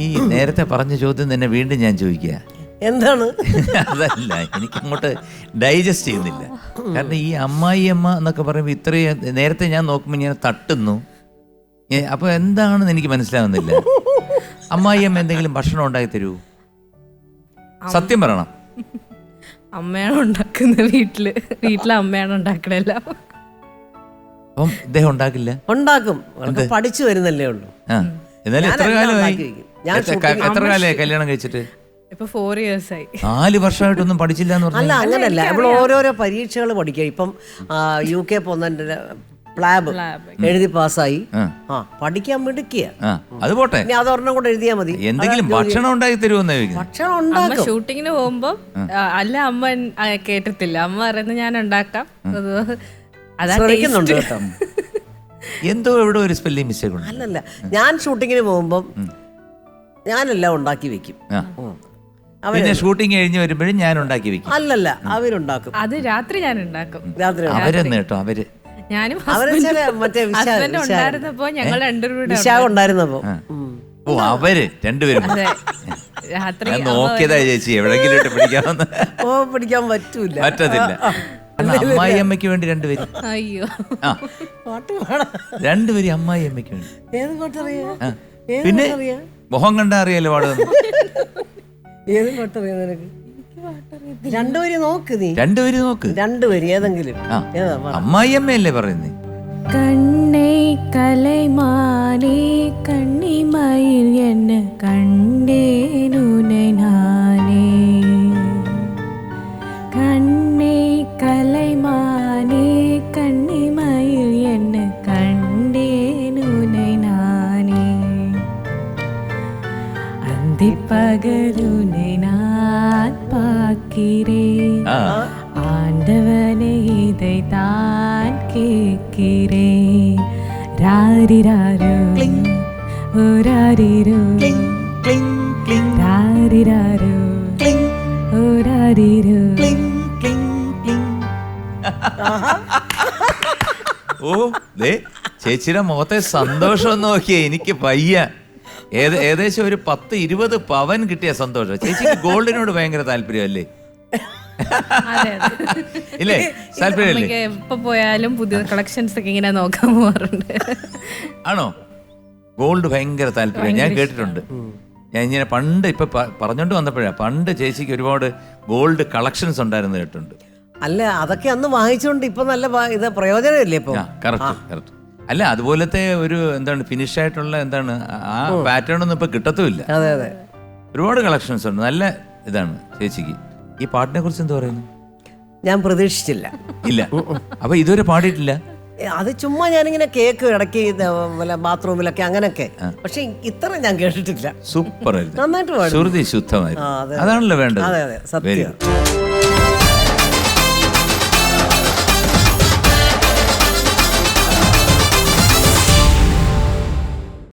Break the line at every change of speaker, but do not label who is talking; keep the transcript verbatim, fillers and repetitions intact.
ഈ നേരത്തെ പറഞ്ഞ ചോദ്യം തന്നെ വീണ്ടും ഞാൻ ചോദിക്കുക.
എന്താണ്?
അതല്ല, എനിക്ക് അങ്ങോട്ട് ഡൈജസ്റ്റ് ചെയ്യുന്നില്ല. കാരണം ഈ അമ്മായി അമ്മ എന്നൊക്കെ പറയുമ്പോൾ ഇത്രയും നേരത്തെ ഞാൻ നോക്കുമ്പോൾ ഞാൻ തട്ടുന്നു. അപ്പൊ എന്താണെന്ന് എനിക്ക് മനസ്സിലാവുന്നില്ല. അമ്മായി അമ്മ എന്തെങ്കിലും ഭക്ഷണം ഉണ്ടാക്കി തരൂ? സത്യം പറയണം.
അമ്മയാണ് ഉണ്ടാക്കുന്നത് വീട്ടില്. വീട്ടിലെ അമ്മയാണ് ഉണ്ടാക്കണല്ല.
അപ്പം ഇദ്ദേഹം ഉണ്ടാക്കില്ല?
ഉണ്ടാക്കും, പഠിച്ചു വരുന്നല്ലേ ഉള്ളൂ.
ആ, എന്നാലും എത്ര കാലമായി? എത്ര കാലമായി കല്യാണം കഴിച്ചിട്ട്?
ഇപ്പൊ ഫോർ ഇയേഴ്സ് ആയി.
നാല് വർഷമായിട്ടൊന്നും പഠിച്ചില്ല എന്ന്
അല്ല, അങ്ങനല്ല. നമ്മൾ ഓരോരോ പരീക്ഷകൾ പഠിക്കുക. ഇപ്പം യു കെ പോകുന്നതിന്റെ പ്ലാബ് എഴുതി പാസ്സായി. ആ, പഠിക്കാൻ മിടുക്കിയ.
അത് പോട്ടെ,
അതൊരെണ്ണം കൂടെ എഴുതിയാൽ മതി.
എന്തെങ്കിലും ഭക്ഷണം ഉണ്ടാക്കി തരുമെന്ന് ചോദിക്കുന്നത്.
ഭക്ഷണം ഉണ്ടാക്കും.
ഷൂട്ടിങ്ങിന് പോകുമ്പോ അല്ല അമ്മ കേട്ടിട്ടില്ല. അമ്മ പറയുന്നത് ഞാൻ ഉണ്ടാക്കാം.
ശ്രമിക്കുന്നുണ്ട് കേട്ടോ.
എന്തോ ഇവിടെ ഒരു സ്പെല്ലിംഗ് മിസ്റ്റേക്ക് ഉണ്ട്.
അല്ലല്ല, ഞാൻ ഷൂട്ടിങ്ങിന് പോകുമ്പം ഞാനെല്ലാം ഉണ്ടാക്കി വെക്കും.
പിന്നെ ഷൂട്ടിങ് കഴിഞ്ഞ് വരുമ്പോഴും ഞാൻ ഉണ്ടാക്കി വെക്കും.
അല്ലല്ല, അവരുണ്ടാക്കും.
അത് രാത്രി ഞാൻ ഉണ്ടാക്കും.
രാത്രി
അവരെന്ന് കേട്ടോ, അവര്
ഞാനും
മറ്റേ
ഉണ്ടായിരുന്നപ്പോ ഞങ്ങൾ രണ്ടുപേരും
വിശാഖം ഉണ്ടായിരുന്നപ്പോ.
ഓ, അവര് രണ്ടുപേരും.
രാത്രി
ഞാൻ നോക്കിയതാ ചേച്ചി, എവിടെങ്കിലും ഇട്ട് പിടിക്കാമെന്ന്.
ഓ, പിടിക്കാൻ പറ്റൂല,
പറ്റത്തില്ല. അമ്മായി അമ്മയ്ക്ക് വേണ്ടി രണ്ടുപേരും.
അയ്യോ,
രണ്ടുപേരും അമ്മായി അമ്മയ്ക്ക് വേണ്ടി.
ഏത് പാട്ടറിയാ?
പിന്നെ മുഖം കണ്ടാ അറിയാലോ പാടുന്നു.
ഏത് പാട്ടറിയാ നിനക്ക്? രണ്ടുപേരും നോക്ക്, നീ
രണ്ടുപേരും നോക്ക്.
രണ്ടുപേരും ഏതെങ്കിലും.
അമ്മായി അമ്മയല്ലേ പറയുന്നേ?
കണ്ണേ കലൈമാനേ കണ്ണിമയിൽ എന്നെ കണ്ടേനുനെ നാനേ. കണ്ണേ കലൈമാനേ കണ്ണിമയിൽ എന്നെ കണ്ടേനുനെ നാനേ. അന്തിപ്പകലുനെ நான் பார்க்கிறேன், ஆண்டவனே இதைத்தான் கேட்கிறேன். ராரிராரோ ஓராரிரோ ராரிராரோ ഓരാരിരോ.
ഓ, ദേ ചേച്ചിയുടെ മുഖത്തെ സന്തോഷം നോക്കിയേ, എനിക്ക് പയ്യ. ഏത് ഏകദേശം ഒരു പത്ത് ഇരുപത് പവൻ കിട്ടിയ സന്തോഷം. ചേച്ചിക്ക് ഗോൾഡിനോട് ഭയങ്കര താല്പര്യമല്ലേ? ഇല്ലേ? താല്പര്യമല്ലേ?
എപ്പോ പോയാലും പുതിയ കളക്ഷൻസ് ഒക്കെ ഇങ്ങനെ നോക്കാൻ പോകാറുണ്ട്.
ആണോ? ഗോൾഡ് ഭയങ്കര താല്പര്യം ഞാൻ കേട്ടിട്ടുണ്ട്. ഞാൻ ഇങ്ങനെ പണ്ട് ഇപ്പൊ പറഞ്ഞോണ്ട് വന്നപ്പോഴാ, പണ്ട് ചേച്ചിക്ക് ഒരുപാട് ഗോൾഡ് കളക്ഷൻസ് ഉണ്ടായിരുന്നു കേട്ടിട്ടുണ്ട്.
അല്ല, അതൊക്കെ അന്ന് വാങ്ങിച്ചോണ്ട് ഇപ്പൊ നല്ല ഇത് പ്രയോജനമില്ലേ ഇപ്പൊ?
Correct correct. അല്ല, അതുപോലത്തെ ഒരു എന്താണ് ഫിനിഷ് ആയിട്ടുള്ള എന്താണ് ആ പാറ്റേൺ ഒന്നും ഇപ്പൊ കിട്ടത്തുമില്ല.
അതെ അതെ,
ഒരുപാട് കളക്ഷൻസ് ഉണ്ട്. നല്ല ഇതാണ് ചേച്ചിക്ക്. ഈ പാട്ടിനെ കുറിച്ച് എന്താ പറയുന്നത്?
ഞാൻ പ്രതീക്ഷിച്ചില്ല.
ഇല്ല, അപ്പൊ ഇതുവരെ പാടിയിട്ടില്ല.
അത് ചുമ്മാ ഞാനിങ്ങനെ കേക്ക് ഇടയ്ക്ക് ബാത്റൂമിലൊക്കെ അങ്ങനൊക്കെ, പക്ഷെ ഇത്ര ഞാൻ കേട്ടിട്ടില്ല.
സൂപ്പർ ആയിരുന്നു,
നന്നായിട്ട് പാടി,
ശ്രുതി ശുദ്ധമായിരുന്നു. അതാണല്ലോ വേണ്ടത്.
അതെ അതെ, സത്യം.